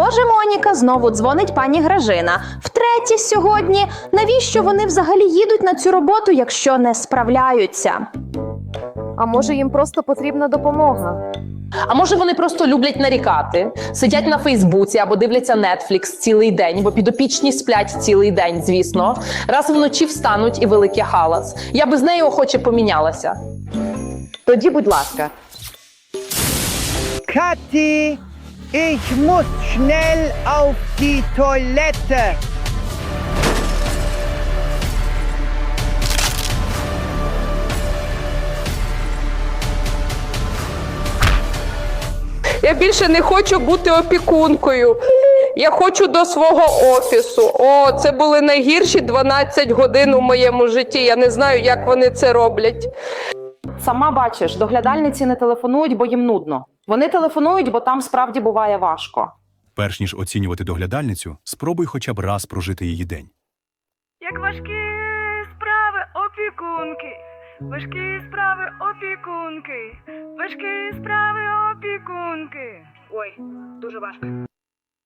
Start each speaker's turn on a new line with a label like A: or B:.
A: Боже, Моніка, знову дзвонить пані Гражина. Втретє сьогодні. Навіщо вони взагалі їдуть на цю роботу, якщо не справляються?
B: А може їм просто потрібна допомога?
C: А може вони просто люблять нарікати, сидять на Фейсбуці або дивляться Netflix цілий день, бо підопічні сплять цілий день, звісно. Раз вночі встануть і великий галас. Я би з нею охоче помінялася.
D: Тоді, будь ласка.
E: Kathi, ich muss schnell auf die Toilette.
F: Я більше не хочу бути опікункою. Я хочу до свого офісу. О, це були найгірші 12 годин у моєму житті. Я не знаю, як вони це роблять.
D: Сама бачиш, доглядальниці не телефонують, бо їм нудно. Вони телефонують, бо там справді буває важко.
G: Перш ніж оцінювати доглядальницю, спробуй хоча б раз прожити її день.
H: Як важкі справи опікунки, важкі справи опікунки, важкі справи опікунки. Ой, дуже важко.